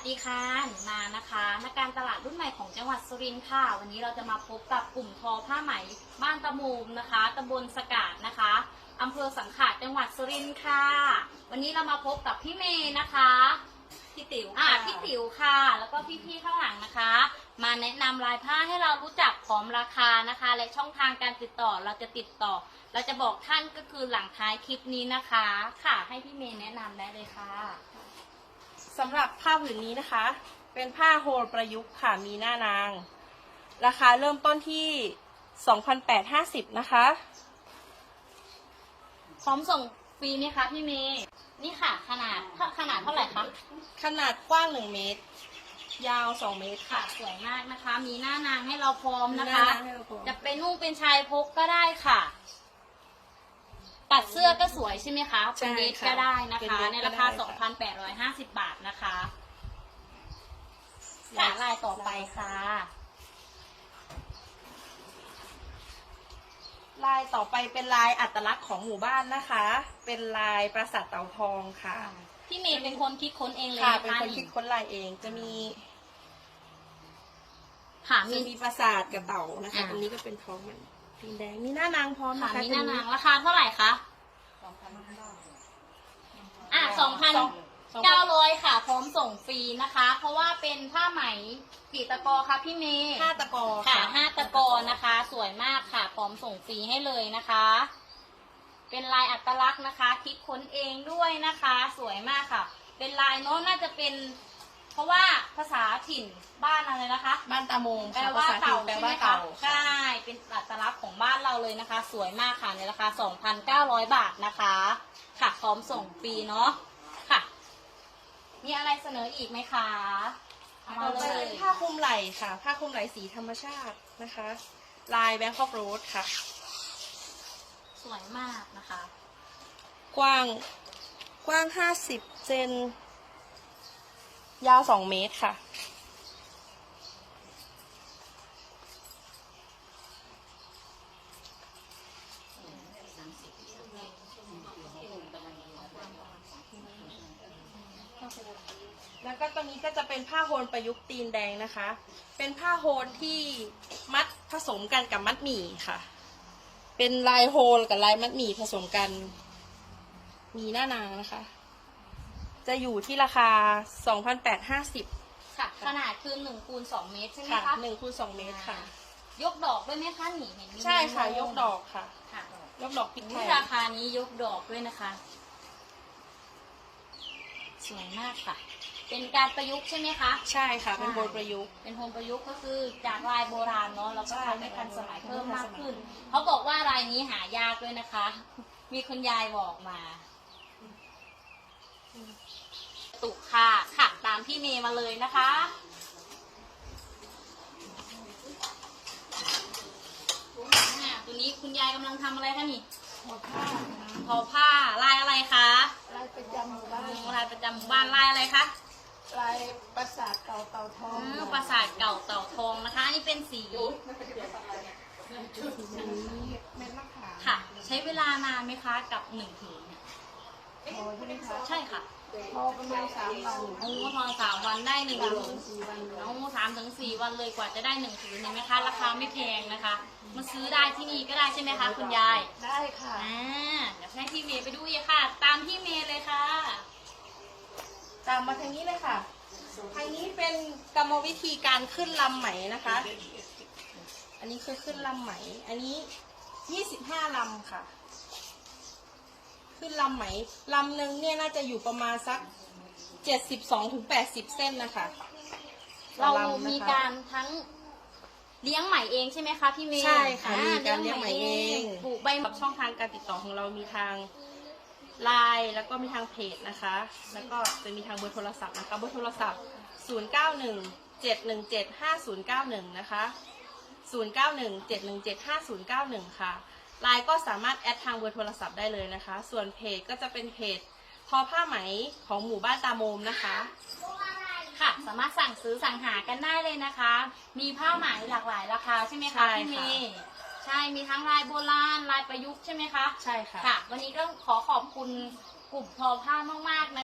ดีค่ะหนูนานะคะนักการตลาดรุ่นใหม่ของจังหวัดสุรินทร์ค่ะวันนี้เราจะมาพบกับกลุ่มทอผ้าไหมบ้านตะมูมนะคะตำบลสกาดนะคะอำเภอสังขะจังหวัดสุรินทร์ค่ะวันนี้เรามาพบกับพี่เมย์นะคะพี่ติ๋วพี่ติ๋วค่ะแล้วก็พี่ๆข้างหลังนะคะมาแนะนำลายผ้าให้เรารู้จักพร้อมราคานะคะและช่องทางการติดต่อเราจะบอกท่านก็คือหลังท้ายคลิปนี้นะคะค่ะให้พี่เมย์แนะนำได้เลยค่ะสำหรับผ้าผืนนี้นะคะเป็นผ้าโฮลประยุกต์ค่ะมีหน้านางราคาเริ่มต้นที่ 2,850 นะคะพร้อมส่งฟรีไหมคะพี่เมย์นี่ค่ะขนาดเท่าไหร่คะขนาดกว้าง1เมตรยาว2เมตรค่ะสวยมากนะคะมีหน้านางให้เราพร้อมนะคะจะเป็นนุ่งเป็นชายพกก็ได้ค่ะตัดเสื้อก็สวยใช่ไหมคะเป็นเดรสก็ได้นะคะในราคา 2,850 บาทนะคะลายต่อไปค่ะลายต่อไปเป็นลายอัตลักษณ์ของหมู่บ้านนะคะเป็นลายปราสาทเต่าทองค่ะพี่เมย์เป็นคนคิดค้นเองเลยค่ะเป็นคนคิดค้นลายเองจะมีปราสาทกับเต่านะคะตรงนี้ก็เป็นท้องมันสีแดงมีหน้านางพร้อมนะคะมีหน้านางราคาเท่าไหร่คะ2,900 ค่ะพร้อมส่งฟรีนะคะเพราะว่าเป็นผ้าไหมกี่ตะกอคะพี่เมย์ 5 ตะกอค่ะ5 ตะกอนะคะสวยมากค่ะพร้อมส่งฟรีให้เลยนะคะเป็นลายอัตลักษณ์นะคะคิดค้นเองด้วยนะคะสวยมากค่ะเป็นลายโน้นน่าจะเป็นเพราะว่าภาษาถิ่นบ้านอะไรนะคะบ้านตามงแปลว่าเต่าใช่ไหมคะใช่เป็นอัตลักษณ์ของบ้านเราเลยนะคะสวยมากค่ะในราคา 2,900 บาทนะคะค่ะพร้อมส่งฟรีเนาะค่ะมีอะไรเสนออีกไหมคะต่อไปเป็นผ้าคลุมไหล่ค่ะผ้าคลุมไหล่สีธรรมชาตินะคะลายแบงคอกโรสค่ะสวยมากนะคะกว้าง50 เซนยาว2 เมตรค่ะแล้วก็ตัวนี้ก็จะเป็นผ้าโฮลประยุกต์ตีนแดงนะคะเป็นผ้าโฮลที่มัดผสมกันกับมัดหมี่ค่ะเป็นลายโฮลกับลายมัดหมี่ผสมกันมีหน้านางนะคะจะอยู่ที่ราคา 2,850 ค่ะขนาดคือ1 คูณ 2 เมตรใช่ไหมคะ 1 คูณ 2 เมตรค่ะยกดอกด้วยไหมคะนี่เห็นใช่ค่ะยกดอกค่ะค่ะยกดอกปิดไทยราคานี้ยกดอกด้วยนะคะสวยมากค่ะเป็นการประยุกต์ใช่ไหมคะใช่ค่ะเป็นโฮลประยุกต์เป็นโฮลประยุกต์ก็คือจากลายโบราณเนาะแล้วก็ทำให้ทันสมัยเพิ่มมากขึ้นเขาบอกว่าลายนี้หายากด้วยนะคะมีคุณยายบอกมาตุกค่ะค่ะตามพี่เมย์มาเลยนะคะตัวนี้คุณยายกำลังทำอะไรคะนี่ทอผ้าลายอะไรคะลายประจำหมู่บ้านลายประจำหมู่บ้านลายอะไรคะลายปราสาทเก่าเต่าทองปราสาทเก่าเต่าทองนะคะนี่เป็นสีเม็ดมะขามค่ะใช้เวลานานไหมคะกับ1 ผืนพอใช่ไหมคะใช่ค่ะพอประมาณ3 วันพอ3 วันได้1 ผืน 4 วัน 3 ถึง 4 วันเลยกว่าจะได้1 ผืนเห็นไหมคะราคาไม่แพงนะคะมาซื้อได้ที่นี่ก็ได้ใช่ไหมคะคุณยายได้ค่ะเดี๋ยวให้พี่เมย์ไปดูอีกค่ะตามพี่เมย์เลยค่ะตามมาทางนี้เลยค่ะทางนี้เป็นกรรมวิธีการขึ้นลำไหมนะคะอันนี้คือขึ้นลำไหมอันนี้25 ลำค่ะขึ้นลำไหมลำหนึ่งเนี่ยน่าจะอยู่ประมาณสัก72 ถึง 80 เส้นนะคะเรามีการทั้งเลี้ยงไหมเองใช่ไหมคะพี่เมย์ใช่ค่ะมีการเลี้ยงไหมเองปลูกใบช่องทางการติดต่อของเรามีทางไลน์แล้วก็มีทางเพจนะคะแล้วก็จะมีทางเบอร์โทรศัพท์นะคะเบอร์โทรศัพท์0917175091นะคะ0917175091ค่ะไลน์ก็สามารถแอดทางเบอร์โทรศัพท์ได้เลยนะคะส่วนเพจก็จะเป็นเพจทอผ้าไหมของหมู่บ้านตาโมมนะคะค่ะสามารถสั่งซื้อสั่งหากันได้เลยนะคะมีผ้าไหมหลากหลายราคาใช่ไหมคะพี่เมย์ใช่มีทั้งลายโบราณลายประยุกต์ใช่ไหมคะใช่ค่ะค่ะวันนี้ก็ขอขอบคุณกลุ่มทอผ้ามากๆนะ